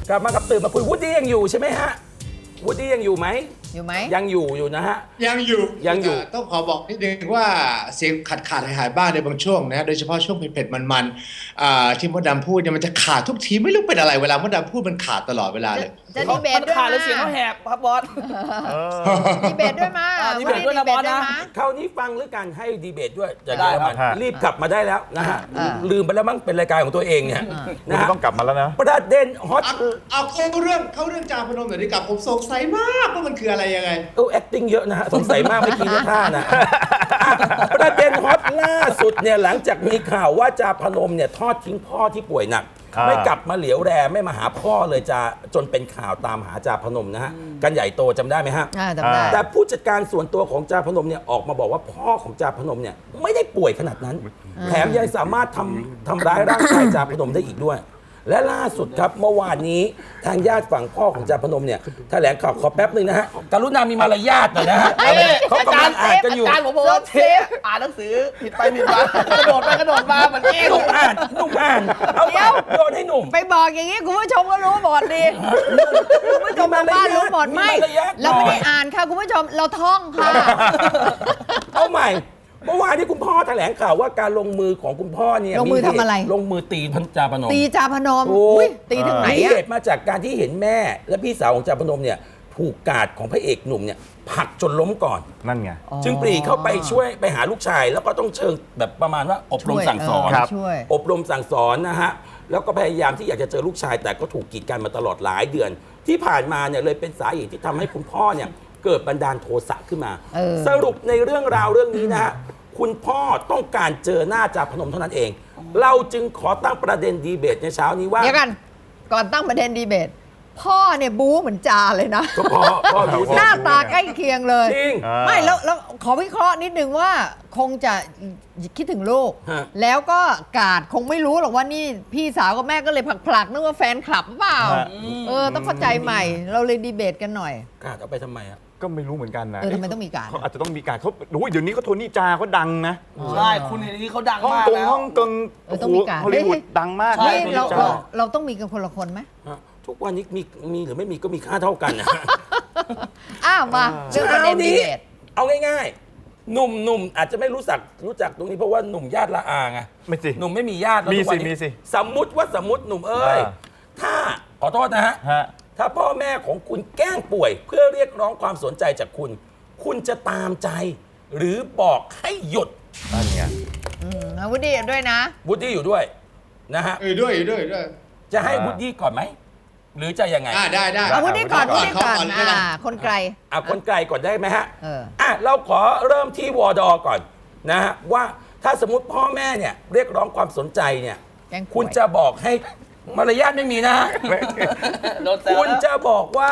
กลับมากับตื่นมาคุยวูดดี้ยังอยู่ใช่ไหมฮะวูดดี้ยังอยู่ไหมยังอยู่นะฮะยังอยู่ต้องขอบอกนิดนึงว่าเสียงขาดหายบ้างในบางช่วงนะโดยเฉพาะช่วงเผ็ดมันที่มดดำพูดเนี่ยมันจะขาดทุกทีไม่รู้เป็นอะไรเวลามดดำพูดมันขาดตลอดเวลาเลยจะดีเบตด้วยขาดแล้วเสียงเขาแหบครับบอสดีเบตด้วยมาดีเบตด้วยนะบอสนะคราวนี้ฟังหรือกันให้ดีเบตด้วยจะได้มันรีบกลับมาได้แล้วนะฮะลืมไปแล้วมั้งเป็นรายการของตัวเองเนี่ยนะฮะต้องกลับมาแล้วนะประเด็นฮอตเอาเข้าเรื่องจาพนมหน่อยดีกับผมสงสัยมากว่ามันคืออะไรยังไง acting เยอะนะฮะสงสัยมากไม่อกี้ท่านะประเด็นฮอตล่าสุดเนี่ยหลังจากมีข่าวว่าจาพนมเนี่ยทอดทิ้งพ่อที่ป่วยหนักไม่กลับมาเหลียวแรไม่มาหาพ่อเลยจนเป็นข่าวตามหาจาพนมนะฮะกันใหญ่โตจำได้ไหมฮะจำได้แต่ผู้จัดการส่วนตัวของจาพนมเนี่ยออกมาบอกว่าพ่อของจาพนมเนี่ยไม่ได้ป่วยขนาดนั้นแถมยังสามารถทำร้ายร่างกายจาพนมได้อีกด้วยและล่าสุดครับเมื่อวานนี้ทางญาติฝั่งพ่อของจาพนมเนี่ยแถลงข่าวขอแป๊บนึงนะฮะกรุณามีมารยาทหน่อยนะฮะเขากำลังอ่านกันอยู่อาจารย์ผมบอกว่าเทปอ่านหนังสือผิดไปผิดมากระโดดไปกระโดดมาเหมือนเกมหนุ่มอ่านเอาโยนให้หนุ่มไปบอกอย่างนี้คุณผู้ชมก็รู้หมดดิคุณผู้ชมทางบ้านรู้หมดไม่เราไม่ได้อ่านค่ะคุณผู้ชมเราท่องค่ะเอาใหม่เมื่อวานที่คุณพ่อแถลงข่าวว่าการลงมือของคุณพ่อเนี่ยลงมือทำอะไรลงมือตีจาพนมตีจาพนมตีถึงไหนเหตุมาจากการที่เห็นแม่และพี่สาวของจาพนมเนี่ยถูกกาดของพระเอกหนุ่มเนี่ยผลักจนล้มก่อนนั่นไงจึงปรีเข้าไปช่วยไปหาลูกชายแล้วก็ต้องเชิงแบบประมาณว่าอบรมสั่งสอนอบรมสั่งสอนนะฮะแล้วก็พยายามที่อยากจะเจอลูกชายแต่ก็ถูกกีดกันมาตลอดหลายเดือนที่ผ่านมาเนี่ยเลยเป็นสาเหตุที่ทำให้คุณพ่อเนี่ยเกิดบันดาลโทสะขึ้นมาสรุปในเรื่องราวเรื่องนี้นะฮะคุณพ่อต้องการเจอหน้าจาพนมเท่านั้นเองเราจึงขอตั้งประเด็นดีเบตในเช้านี้ว่าเดี๋ยวกันก่อนตั้งประเด็นดีเบตพ่อเนี่ยบู๊เหมือนจาเลยนะพ่อหน้าตาใกล้เคียงเลยจริงไม่แล้วขอวิเคราะห์นิดนึงว่าคงจะคิดถึงลูกแล้วก็กาดคงไม่รู้หรอกว่านี่พี่สาวกับแม่ก็เลยผลักนึกว่าแฟนคลับหรือเปล่าต้องเข้าใจใหม่เราเลยดีเบตกันหน่อยกาดเอาไปทำไมอะก็ไม่รู้เหมือนกันนะทำไมต้องมีการเขาอาจจะต้องมีการเขาเดี๋ยวนี้เขาโทนี่จาเขาดังนะใช่คุณเห็นนี้เขาดังมากแล้วฮ่องกงต้องมีการฮอลลีวูดดังมากนี่เราต้องมีกันคนละคนไหมทุกวันนี้มีหรือไม่มีก็มีค่าเท่ากันนะมาเรื่องประเด็นดีเบตเอาง่ายๆหนุ่มอาจจะไม่รู้จักตรงนี้เพราะว่าหนุ่มญาติละอาไงไม่สิหนุ่มไม่มีญาติแล้วมีสิสมมุติหนุ่มเอ้ยถ้าขอโทษนะฮะถ้าพ่อแม่ของคุณแกล้งป่วยเพื่อเรียกร้องความสนใจจากคุณจะตามใจหรือบอกให้หยุดนั่นไงวูดดี้ด้วยนะวูดดี้อยู่ด้วยนะฮะด้วยจะให้วูดดี้ก่อนไหมหรือจะยังไงได้วูดดี้ก่อนคนไกลคนไกลก่อนได้ไหมฮะเราขอเริ่มที่วอดอก่อนนะฮะว่าถ้าสมมติพ่อแม่เนี่ยเรียกร้องความสนใจเนี่ยคุณจะบอกให้มารยาทไม่มีนะคุณจะบอกว่า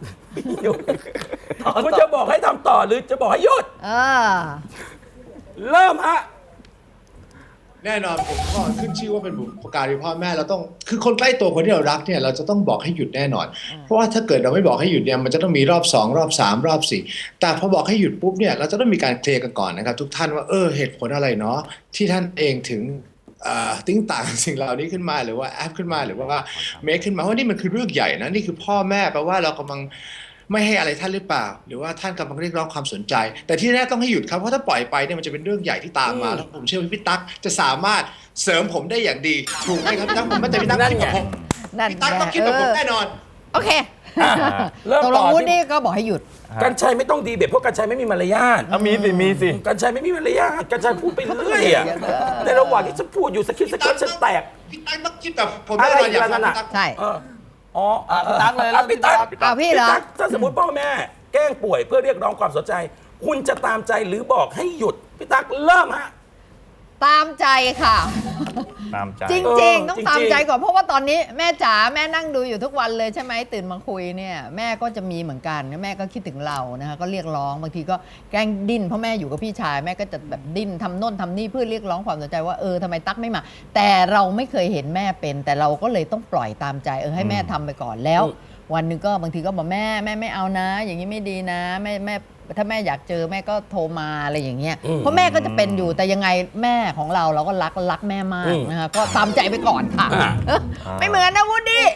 คุณจะบอกให้ทำต่อหรือจะบอกให้หยุดเริ่มฮะแน่นอนผมก็ขึ้นชื่อว่าเป็นบุพการีพ่อแม่เราต้องคือคนใกล้ตัวคนที่เรารักเนี่ยเราจะต้องบอกให้หยุดแน่นอนเพราะว่าถ้าเกิดเราไม่บอกให้หยุดเนี่ยมันจะต้องมีรอบ2รอบ3รอบ4แต่พอบอกให้หยุดปุ๊บเนี่ยเราจะต้องมีการเคลียร์กันก่อนนะครับทุกท่านว่าเหตุผลอะไรเนาะที่ท่านเองถึงติ้งต่างสิ่งเหล่านี้ขึ้นมาหรือว่าแอปขึ้นมาหรือว่าเมคขึ้นมาว่านี่มันคือเรื่องใหญ่นะนี่คือพ่อแม่แปลว่าเรากำลังไม่ให้อะไรท่านหรือเปล่าหรือว่าท่านกำลังเรียกร้องความสนใจแต่ที่แน่ต้องให้หยุดครับเพราะถ้าปล่อยไปเนี่ยมันจะเป็นเรื่องใหญ่ที่ตามมาแล้วผมเชื่อว่าพี่ตั๊กจะสามารถเสริมผมได้อย่างดีถูกไหมครับพี่ตั๊กผมไม่แต่พี่ตั๊กคิดแบบผมพี่ตั๊กต้องคิดแบบผมแน่นอนโอเคตกลงวูดดี้ก็บอกให้หยุดกัญชัยไม่ต้องดีเบตเพราะกัญชัยไม่มีมารยาทมีสิกัญชัยไม่มีมารยาทกัญชัยพูดไปเรื่อยอะในระหว่างที่ฉันพูดอยู่สคริปต์ฉันแตกพี่ตั๊กต้องคิดแบบผมแน่นอนอย่างนั้นใช่พี่ตั๊กเลยแล้วพี่ตั๊กพี่เหรอถ้าสมมติพ่อแม่แกล้งป่วยเพื่อเรียกร้องความสนใจคุณจะตามใจหรือบอกให้หยุดพี่ตั๊กเริ่มฮะตามใจค่ะตามใจจริงๆต้องตามใจก่อนเพราะว่าตอนนี้แม่จ๋าแม่นั่งดูอยู่ทุกวันเลยใช่ไหมตื่นมาคุยเนี่ยแม่ก็จะมีเหมือนกันแม่ก็คิดถึงเรานะคะก็เรียกร้องบางทีก็แกล้งดิ้นเพราะแม่อยู่กับพี่ชายแม่ก็จะแบบดิ้นทำโน่นทำนี่เพื่อเรียกร้องความสนใจว่าทำไมตั๊กไม่มาแต่เราไม่เคยเห็นแม่เป็นแต่เราก็เลยต้องปล่อยตามใจให้แม่ทำไปก่อนแล้ววันหนึ่งก็บางทีก็บอกแม่ไม่เอานะอย่างนี้ไม่ดีนะแม่ถ้าแม่อยากเจอแม่ก็โทรมาอะไรอย่างเงี้ยเพราะแม่ก็จะเป็นอยู่แต่ยังไงแม่ของเราก็รักแม่มากนะคะก็ตามใจไปก่อนค่ะไม่เหมือนนะวูดดี้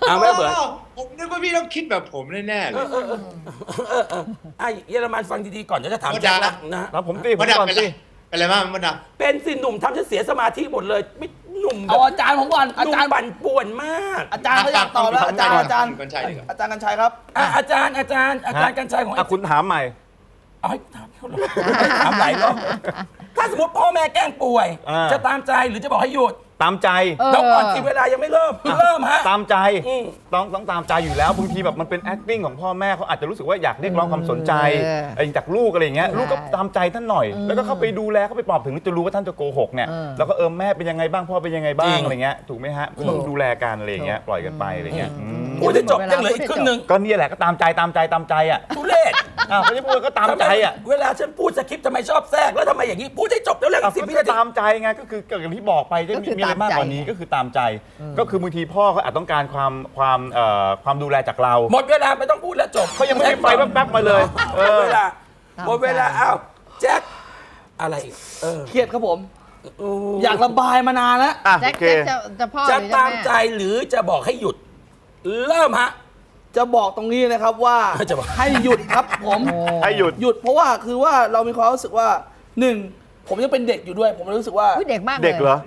เอาไม่เบิร์ดผมนึกว่าพี่ต้องคิดแบบผมแน่ๆเลยไอ้เยอรมันฟังดีๆก่อนเดี๋ยวจะถามมดแจ็คดำละนะแล้วผมตีผมมดดำก่อนเป็นไรสิเป็นอะไรบ้างมดดำเป็นสิหนุ่มทำฉันเสียสมาธิหมดเลยไม่หนุ่มแบเอาบอาจารย์ผมก่อนหอานุ่มจารย์ปั่นป่วนมากอาจารย์เขาอยากตอบแล้วอาจารย์อาจารย์กัญชัยดีกว่าอาจารย์กัญชัยครับอาจารย์กัญชัยของอ่ะคุณถามใหม่เอาให้ถามเขาเลยถามหลายรอบถ้าสมมติพ่อแม่แกล้งป่วยอ่าจะตามใจหรือจะบอกให้หยุดตามใจแล้วก่อนที่เวลายังไม่เริ่มฮะตามใจอืมต้องตามใจอยู่แล้วบางทีแบบมันเป็น acting ของพ่อแม่เขาอาจจะรู้สึกว่าอยากเรียกร้องความสนใจจากลูกอะไรอย่างเงี้ยใช่ลูกก็ตามใจท่านหน่อย แล้วก็เข้าไปดูแลเข้าไปปลอบถึงจะรู้ว่าท่านจะโกหกเนี่ย แล้วก็แม่เป็นยังไงบ้างพ่อเป็นยังไงบ้างอะไรเงี้ยถูกไหมฮะต้องดูแลกันอะไรอย่างเงี้ยปล่อยกันไปอะไรเงี้ยพูดให้จบยังเหลืออีกครึ่งหนึ่งก็เนี่ยแหละก็ตามใจอ่ะทุเรศอ้าวเขาจะพูดก็ตามใจอ่ะเวลาฉันพูดสคริปต์ทำไมชอบแทรกแล้วทำไมอย่างนี้พูดให้จบแล้วเรื่องอ่ะสิบก็วิคือนาทีตามใจไงก็คืออย่างที่บอกไปจะก็คือมีอะไรมากกว่านี้ตามใจก็คือตามใจ ก็คือบางทีพ่อเขาอาจต้องการความดูแลจากเราหมดเวลาไม่ต้องพูดแล้วจบเขายังไม่ได้ไปแป๊บๆมาเลยหมดเวลาหมดเวลาอ้าวแจ็คอะไรอีกเครียดครับผม อยากระบายมานานแล้วอ่ะแจ็คโอเคจะพ่อหจะรือตามแม่ใจหรือจะบอกให้หยุด เริ่มฮะจะบอกตรงนี้นะครับว่าจะบอกให้หยุดครับผมให้หยุดหยุดเพราะว่าคือว่าเรามีความรู้สึกว่าหนึ่งผมยังเป็นเด็กอยู่ด้วย ผมรู้สึกว่าอุ๊ยเด็กมากเลยเด็กเหรอ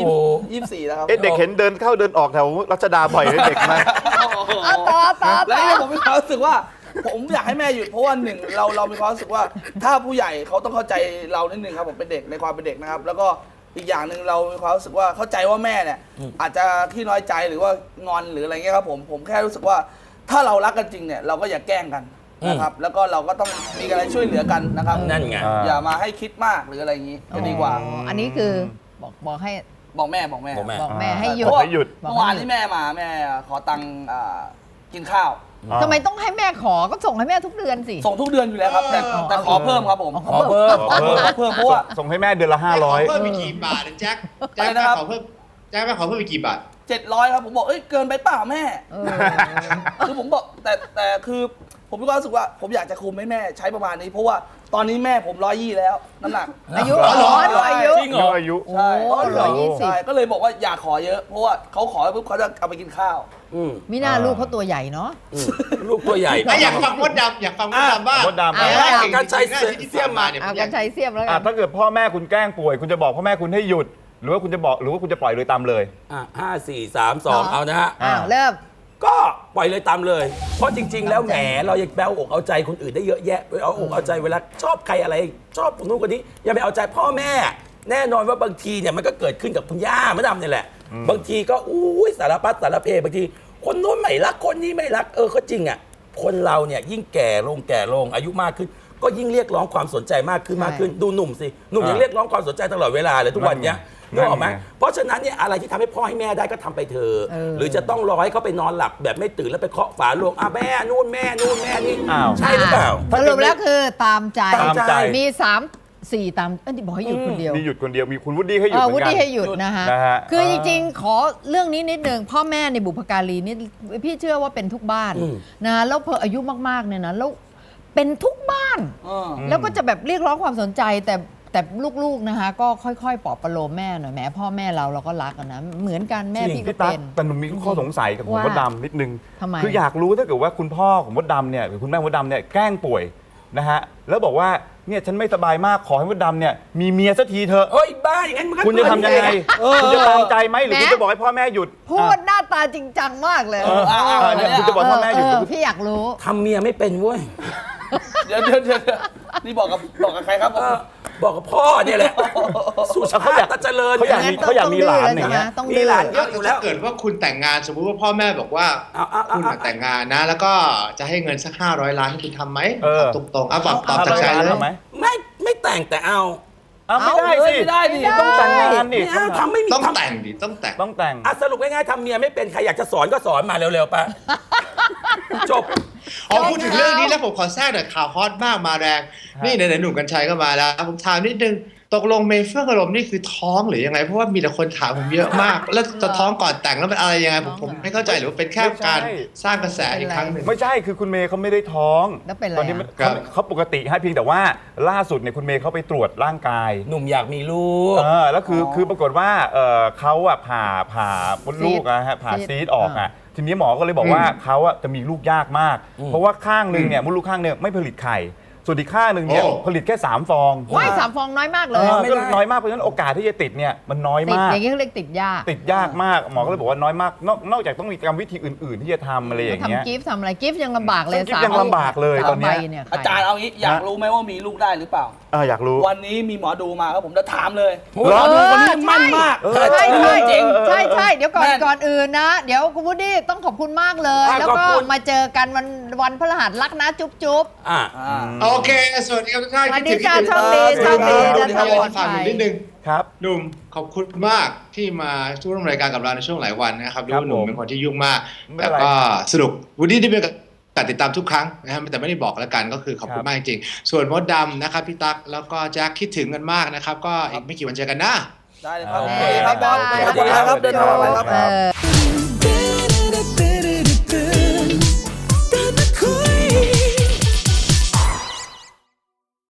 24แล้วครับเด็กเห็นเดินเข้าเดินออกแถวรัชดาบ่อยเลยเด็กมากเอาต่อแล้วเนี่ยผมมีความรู้สึกว่า ผมอยากให้แม่หยุดเพราะว่าหนึ่งเรามีความรู้สึกว่า ถ้าผู้ใหญ่เขาต้องเข้าใจเรานิดนึงครับผมเป็นเด็กในความเป็นเด็กนะครับ แล้วก็อีกอย่างหนึ่งเรามีความรู้สึกว่าเข้าใจว่าแม่เนี่ยอาจจะขี้น้อยใจหรือว่างอนหรืออะไรเงี้ยครับผมแค่รู้สึกว่าถ้าเรารักกันจริงเนี่ยเราก็อย่าแกล้งกันนะครับ แล้วก็เราก็ต้องมีอะไรช่วยเหลือกันนะครับนั่นไงอย่ามาให้คิดมากหรืออะไรอย่างนี้จะดีกว่าอันนี้คือบอกให้บอกแม่บอกแม่บอกแม่ให้หยุเพดราะว่าให้หยุดเมื่อวานที่แม่มาแม่ขอตังค์กินข้าวทำไมต้องให้แม่ขอก็ส่งให้แม่ทุกเดือนสิส่งทุกเดือนอยู่แล้วครับ แต่ขอเพิ่มครับผมขอเพิ่มขอเพิ่มเพราะว่าส่งให้แม่เดือนละขอเพิ่มอีกกี่บาทนะแจ็คแจ็คอะไรนะครับขอเพิ่มแจ็คแม่ขอเพิ่มอีกกี่บาท 700ครับผมบอกเอ้ยเกินไปเปล่าแม่เออคือผมบอกแต่คือผมมีความรู้สึกว่าผมอยากจะคุมให้แม่ใช้ประมาณนี้ เพราะว่าตอนนี้แม่ผม120แล้วน้ำหนักอายุอ๋อเหรออายุจริงเหรออายุใช่โอ้120 ใช่ก็เลยบอกว่าอย่าขอเยอะ เพราะว่าเขาขอปุ๊บเขาจะเอาไปกินข้าวอืมมีหน้าลูกเขาตัวใหญ่เนาะลูกตัวใหญ่อยากฟังมดดำอยากฟังมดดำบ้างมดดำการใช้เสี้ยมมาเนี่ยเอากันชัยเสียมแล้วกัอ่ะนถ้าเกิดพ่อแม่คุณแกล้งป่วย คุณจะบอกพ่อแม่คุณให้หยุด หรือว่าคุณจะปล่อยเลยตามเลย 5 4 3 2เอานะฮะอ้าวเริ่มก็ปล่อยเลยตามเลย เพราะจริง ๆ แล้วแหมเรายังแปลอกเอาใจคนอื่นได้เยอะแยะเอาอกเอาใจเวลาชอบใครอะไรชอบคนนู้นคนนี้อย่าไปเอาใจพ่อแม่ แน่นอนว่าบางทีเนี่ยมันก็เกิดขึ้นกับคุณย่ามะดำเนี่ยแหละ บางทีก็อุ้ยสารพัดสารเพบางทีคนนู้นไม่รักคนนี้ไม่รักก็จริงอ่ะคนเราเนี่ยยิ่งแก่ลงอายุมากขึ้น ก็ยิ่งเรียกร้องความสนใจมากขึ้นใช่มากขึ้นดูหนุ่มสิหนุ่มยังเรียกร้องความสนใจตลอดเวลาเลยทุกวันเนี้ยนึกออกไหมนั่นไงเพราะฉะนั้นเนี่ยอะไรที่ทำให้พ่อให้แม่ได้ก็ทำไปเถอะ หรือจะต้องรอให้เขาไปนอนหลับแบบไม่ตื่นแล้วไปเคาะฝาโลงแม่นู่นแม่นี่อ้าวใช่หรือเปล่าสรุปแล้วคือตามใจตามใจมี3-4ตามนี่บอกให้หยุดคนเดียวมีหยุดคนเดียวมีคุณวุฒิให้หยุดเหมืวุอนกันฒิให้หยุดนะฮะนะฮะคือจริงๆ ขอเรื่องนี้นิดนึงพ่อแม่ในบุพการีนี่พี่เชื่อว่าเป็นทุกบ้านนะแล้วพออายุมากๆเนี่ยนะแล้วเป็นทุกบ้าน แล้วก็จะแบบเรียกร้องความสนใจแต่ลูกๆนะคะก็ค่อยๆปลอบประโลมแม่หน่อยแหมพ่อแม่เราก็รักอะนะเหมือนกันแม่จริงพี่ก็พี่ตั๊เป็กนแต่หนูมีข้อสงสัยกับคุณว่ามดดำนิดนึงทำไมคืออยากรู้ถ้าเกิดว่าคุณพ่อของมดดำเนี่ยหรือคุณแม่มดดำเนี่ยแกล้งป่วยนะฮะแล้วบอกว่าเนี่ยฉันไม่สบายมากขอให้มดดำเนี่ยมีเมียสักทีเถอะเอ้ยบ้าอย่างนั้นมันก็คุณจะทำยังไงคุณจะตามใจไหมหรือแหมคุณจะบอกให้พ่อแม่หยุดพูดหน้าตาจริงจังมากเลยเนี่ยคุณจะบอกพ่อแม่หยุดพี่อยากรู้ทำเมียไม่เป็นเว้ยเดี๋ยวนี่บอกกับใครครับผมบอกกับพ่อเนี่ยแหละสุชาติตันเจริญเขาอยากมีงั้นเขาอยากมีหลานต้องดื้ออย่างเงี้ยต้องมีดื้อหลานเยอะอยู่แล้วถ้าเกิดว่าคุณแต่งงานสมมุติว่าพ่อแม่บอกว่าเอาคุณแต่งงานนะ แล้วก็จะให้เงินสัก500 ล้านให้คุณทำไหมเออตรงๆตอบจากใจเลยทำไหมไม่แต่งแต่เอาไม่ได้สิไม่ได้ดิต้องแต่งงานนี่ไม่เอาทำไม่มีต้องทำแต่งดิต้องแต่งต้องแต่งสรุปง่ายๆทำเมียไม่เป็นใครอยากจะสอนก็สอนมาเร็วๆไปจบพูดถึงเรื่องนี้แล้วผมขอแทรกหน่อยข่าวฮอตมากมาแรง นี่ไหนๆหนุ่มกัญชัยก็มาแล้ว ผมถามนิดนึงตกลงเมย์เฟื่องอารมณ์นี่คือท้องหรือยังไงเพราะว่ามีแต่คนถามผมเยอะมาก แล้วจะท้องก่อนแต่งแล้วเป็นอะไรยังไงผมไม่เข้าใจหรือว่าเป็นแค่การสร้างกระแสอีกครั้งหนึ่งไม่ใช่คือคุณเมย์เขาไม่ได้ท้องแล้วเป็นอะไรตอนนี้อ่ะเขาปกติให้เพียงแต่ว่าล่าสุดเนี่ยคุณเมย์เขาไปตรวจร่างกายหนุ่มอยากมีลูกแล้วคือปรากฏว่าเขาผ่ามดลูกนะฮะผ่าซีดออกทีนี้หมอก็เลยบอกว่าเขาอะจะมีลูกยากมาก เพราะว่าข้างหนึ่งเนี่ยมดลูกข้างเนี่ยไม่ผลิตไข่ ส่วนอีกข้างหนึ่งเนี่ยโอ้ผลิตแค่3 ฟองว้าย3 ฟองน้อยมากเลยก็น้อยมากเพราะฉะนั้นโอกาสที่จะติดเนี่ยมันน้อยติดมากอย่างนี้เขาเรียกติดยากติดยากมากหมอก็เลยบอกว่าน้อยมากนอกจากต้องมีกรรมวิธีอื่นๆ ที่จะทำอะไรอย่างเงี้ยทำกิฟต์ทำอะไรกิฟต์ยังลำบากเลยกิฟต์ยังลำบากเลยตอนเนี้ย 3 ใบเนี่ยอาจารย์เอางี้อยากรู้ไหมว่ามีลูกได้หรือเปล่าอยากรู้วันนี้มีหมอดูมาครับผมจะถามเลยเหรอหมอดูคนนี้มั่นมากใช่ใช่จริงใช่ใช่เดี๋ยวก่อนแม่นก่อนอื่นนะ เดี๋ยวคุณวูดดี้ต้องขอบคุณมากเลยอ่ะแล้วขอบก็คุณมาเจอกันวันพฤหัสรักนะจุ๊บจุ๊บอ่ะโอเคสวัสดีครับทุกท่านสวัสดีคิจ้าถึงโชคดีโชคดีเดี๋เดิยนวทางปลอดฝากภัหยนุ่มนิดนึงครับหนุ่มขอบคุณมากที่มาร่วมรายการกับเราในช่วงหลายวันนะครับรู้ครับว่าหนุ่มผมเป็นคนที่ยุ่งมากไม่แต่เป็นไรก็สนุกวูดดี้ได้เป็นการติดตามทุกครั้งนะครับแต่ไม่ได้บอกแล้วกันก็คือขอบคุณมากจริงๆส่วนมดดำนะครับพี่ตั๊กแล้วก็แจ็คคิดถึงกันมากนะครับก็อีกไม่กี่วันเจอกันนะได้เลยครับโอเคครับบอสบ๊ายบายสวัสดีครับเดินทางปลอดภัยครับเออ